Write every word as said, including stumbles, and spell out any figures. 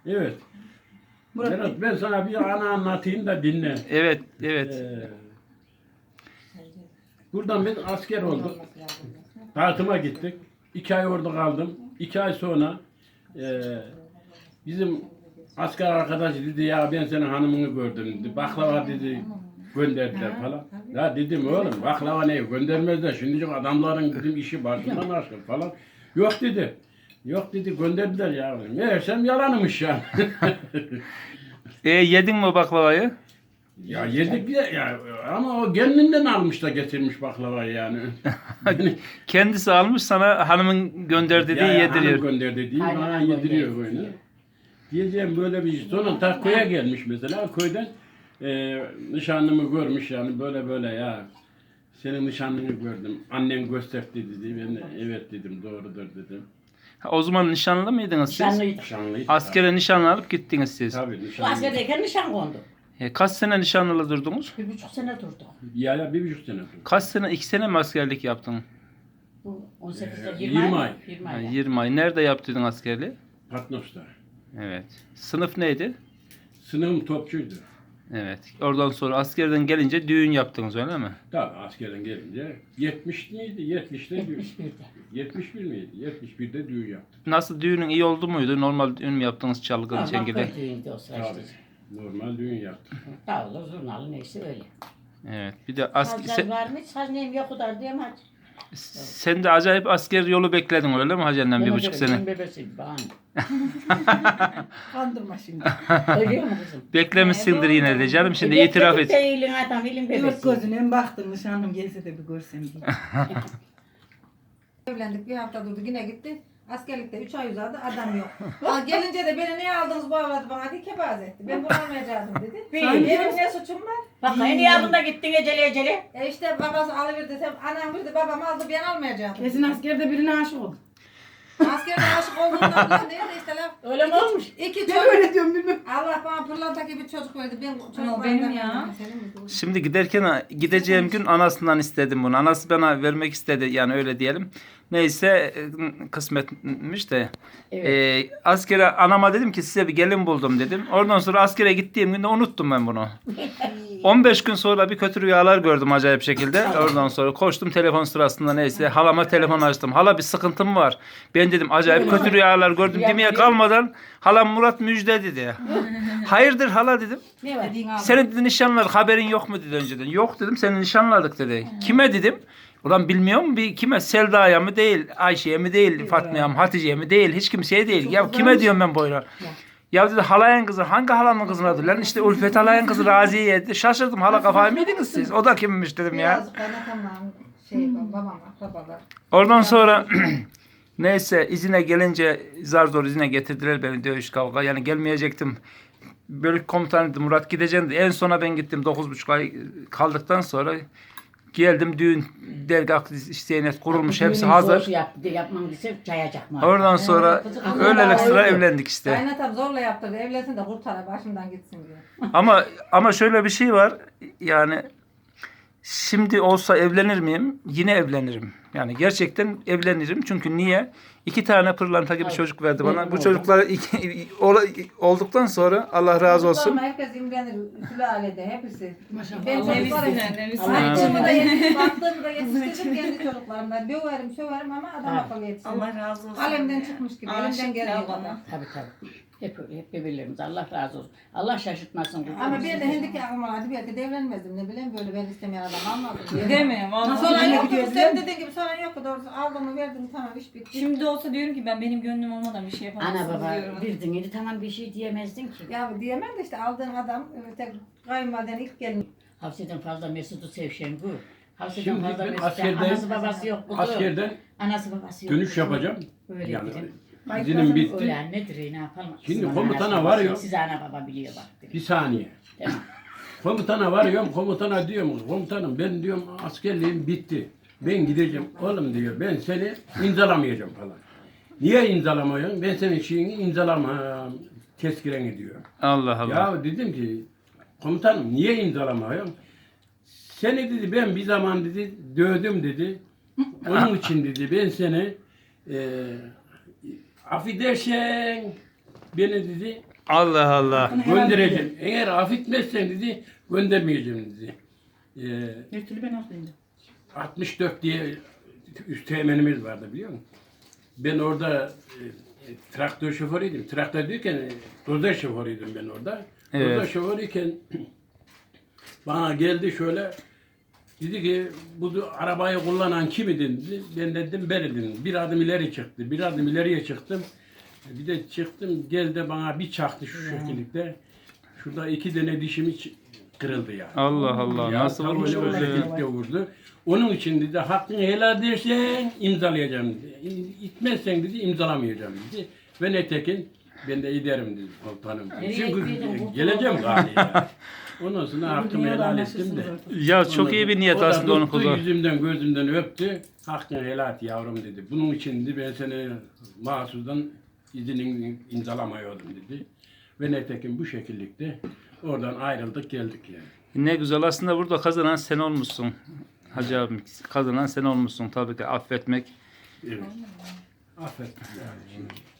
Evet. Murat Bey. Berat, ben sana bir ana anlatayım da dinle. Evet, evet. Ee, buradan biz asker olduk. Dağıtıma gittik. İki ay orada kaldım. İki ay sonra e, bizim asker arkadaş dedi ya ben senin hanımını gördüm dedi. Baklava dedi gönderdiler falan. Ya dedim oğlum baklava ne göndermezler. Şimdi adamların dedim işi başından aşkın falan. Yok dedi. Yok dedi gönderdiler ya. Meğersem yalanmış ya. E, yedin mi o baklavayı? Ya yedik ya, ya ama o kendinden almış da getirmiş baklavayı yani. Kendisi almış sana hanımın gönderdi diye Ya, ya, yediriyor. hanım gönderdi diye Aynen, bana aynen, yediriyor gönderdi. böyle. Diyeceğim böyle bir şey. Sonra ta köye gelmiş mesela. Köyden e, nişanlımı görmüş yani böyle böyle ya. Senin nişanlını gördüm. Annem gösterdi dedi. Ben de evet dedim doğrudur dedim. Ha, o zaman nişanlı mıydınız siz? Nişanlıydı. Nişanlıydı. Askere nişanlı alıp gittiniz siz. Tabii Bu nişanlıydı. askerdeyken nişan kondu. E, kaç sene nişanlılı durdunuz? Bir buçuk sene durdu. Ya ya bir buçuk sene oldu. Kaç sene, iki sene mi askerlik yaptın? Bu on sekizde Ee, yirmi yirmi ay. ay. yirmi Ha, ay. yirmi ay. Nerede yaptıydın askerliği? Patnos'ta. Evet. Sınıf neydi? Sınıfım topçuydu. Evet. Oradan sonra askerden gelince düğün yaptınız öyle mi? Tabii askerden gelince yetmiş miydi? yetmişte düğün. yetmiş birde. yetmiş bir miydi? yetmiş birde düğün yaptım. Nasıl düğünün iyi oldu muydu? Normal düğün mü yaptınız çalgılı Normal çengeli? köy düğünüydü o sıra işte. Tabii. Normal düğün yaptım. Davulu, zurnalı neyse öyle. Evet. Bir de asker, Sazlar varmış, saz neyim yok o kadar diyeyim hadi. sen de acayip asker yolu bekledin öyle mi Hacer'den bir buçuk sene? Benim bebesiyim bana. Kandırma şimdi. Ölüyor mu kızım? Beklemişsindir yine de canım şimdi E, itiraf bekledik et. de iyiliğin adam, iyiliğin Dört bebesi. gözüne baktım nişanlım gelse de bir görsem diye. Evlendik bir hafta durdu yine gitti. Askerlikte üç ay uzadı adam yok. Aa, gelince de beni niye aldınız bu avladı bana diye kebaz etti. Ben bunu almayacaktım dedi. Değil. Benim ne suçum var? Bak en iyi adında gittin eceli eceli. E işte babası alıverdi, sen anam verdi, babam aldı ben almayacaktım. Kesin askerde birine aşık oldu. Askerde aşık olduğundan falan değil de işte laf. Öyle mi olmuş? İki Ne çocuk. böyle diyorum bilmem. Allah bana pırlanta gibi çocuk verdi. Ben çocuk benim ya. Şimdi giderken gideceğim gün anasından istedim bunu. Anası bana vermek istedi yani öyle diyelim. Neyse e, kısmetmiş de. Evet. E, askere anama dedim ki size bir gelin buldum dedim. Oradan sonra askere gittiğim günde unuttum ben bunu. on beş gün sonra bir kötü rüyalar gördüm acayip şekilde. Oradan sonra koştum telefon sırasında neyse halama telefon açtım. Hala bir sıkıntım var. Ben dedim acayip kötü rüyalar gördüm demeye kalmadan halam Murat müjde dedi. Hayırdır hala dedim. Ne var? Senin dedi nişanladık haberin yok mu dedi önceden. Yok dedim seni nişanladık dedi. Kime dedim. Ulan bilmiyor mu bir kime Selda'ya mı değil, Ayşe'ye mi değil, Fatma'ya mı, Hatice'ye mi değil, hiç kimseye değil. Ya kime diyorum ben böyle. Ya dedi halayın kızı, hangi halamın kızın adı lan? İşte Ulfet halayın kızı Raziye dedi. Şaşırdım hala kafayı mı yediniz siz? O da kimmiş dedim ya. Biraz kaynatamam şey babam akrabalar. Oradan sonra neyse izine gelince zar zor izine getirdiler beni dövüş kavga. Yani gelmeyecektim. Bölük komutanıydı Murat gideceğim dedi. En sona ben gittim dokuz buçuk ay kaldıktan sonra geldim düğün dergah Zeynep kurulmuş hepsi Düğünün hazır. soğusu Yap, yapmam dese çayacak mı? Oradan sonra öylelik sıra evlendik işte. Kaynatam zorla yaptırdı. Evlensin de kurtar başımdan gitsin diye. Ama ama şöyle bir şey var. Yani şimdi olsa evlenir miyim? Yine evlenirim. Yani gerçekten evlenirim. Çünkü niye? İki tane pırlanta gibi Ay, çocuk verdi bana. benim Bu oldu. çocuklar iki, ola- olduktan sonra Allah razı olsun. Ama herkes imrenir. Sülalede hepsi. Maşallah. Ben Allah çocuklarım. Nevisine, nevisine. Allah Baktığımda için. yetiştirdim, baktığımda yetiştirdim kendi çocuklarımdan. Döverim, söverim ama adam Ha. akıllı yetiştirdim. Allah razı olsun. Alemden çıkmış gibi, elimden Aşık geldiği ya kadar. bana. Tabii tabii. Hep öyle, hep birbirlerimiz. Allah razı olsun. Allah şaşırtmasın. kuzum. Ama bir de hendeki aklıma hadi belki de evlenmezdim. Ne bileyim böyle ben istemeyen adam almadım. diye. Değil mi? Vallahi. Sonra Yine yoktu, gidiyor, sen dediğin gibi sonra yoktu. Doğrusu aldım verdim tamam iş bitti. Şimdi olsa diyorum ki ben benim gönlüm olmadan bir şey yapamazsın Ana baba diyorum. birdin yedi tamam bir şey diyemezdin ki. Ya diyemem de işte aldığın adam e, tek kayınvaliden ilk gelin. Hafseden fazla Mesut'u sevşen bu. Hafseden Şimdi fazla ben Mesut'u askerden- anası babası yok. Kuzu. Askerden Anası babası yok. dönüş kuzu. yapacağım. Öyle Yani dedim. izinim bitti. Öyle annedir ne yapalım. Şimdi Kızım, komutana anası babası varıyor. yok. Siz ana baba biliyor bak. Bir dedim. saniye. Tamam. Komutana varıyorum. Komutana diyorum. Komutanım ben diyorum askerliğim bitti. Ben gideceğim. Oğlum diyor ben seni imzalamayacağım falan. Niye imzalamıyorsun? Ben senin şeyini imzalamam. Tezkireni diyor. Allah Allah. Ya dedim ki komutanım niye imzalamıyorum? Seni dedi ben bir zaman dedi dövdüm dedi. Onun için dedi ben seni e, affedersen beni dedi Allah Allah. göndereceğim. Eğer affetmezsen dedi göndermeyeceğim dedi. Ee, Bir türlü ben haklıydım. altmış dört diye üst teğmenimiz vardı biliyor musun? Ben orada e, traktör şoförüydüm. Traktör derken e, dozer şoförüydüm ben orada. Evet. Dozer şoförüyken bana geldi şöyle dedi ki bu arabayı kullanan kim idin dedi. Ben dedim ben idim. Bir adım ileri çıktı. Bir adım ileriye çıktım. Bir de çıktım geldi bana bir çaktı şu şekilde. Şurada iki tane dişimi ç- kırıldı yani. Allah Allah. Ya, Nasıl tam vurmuş öyle o böyle? şekilde vurdu. Onun için dedi hakkını helal edersen imzalayacağım dedi. İ- İtmezsen dedi imzalamayacağım dedi. Ve netekin ben de giderim dedi komutanım. Nereye Çünkü gittiydin? geleceğim galiba. Ondan sonra hakkımı helal ettim de. Ya çok iyi bir niyet O da aslında onun tuttu, kulu. yüzümden gözümden öptü. Hakkını helal et yavrum dedi. Bunun için dedi ben seni mahsusdan izinin imzalamıyordum dedi. Ve netekin bu şekillikte oradan ayrıldık geldik yani. Ne güzel aslında burada kazanan sen olmuşsun. Hacı abim kazanan sen olmuşsun tabii ki affetmek. Evet. Affet yani.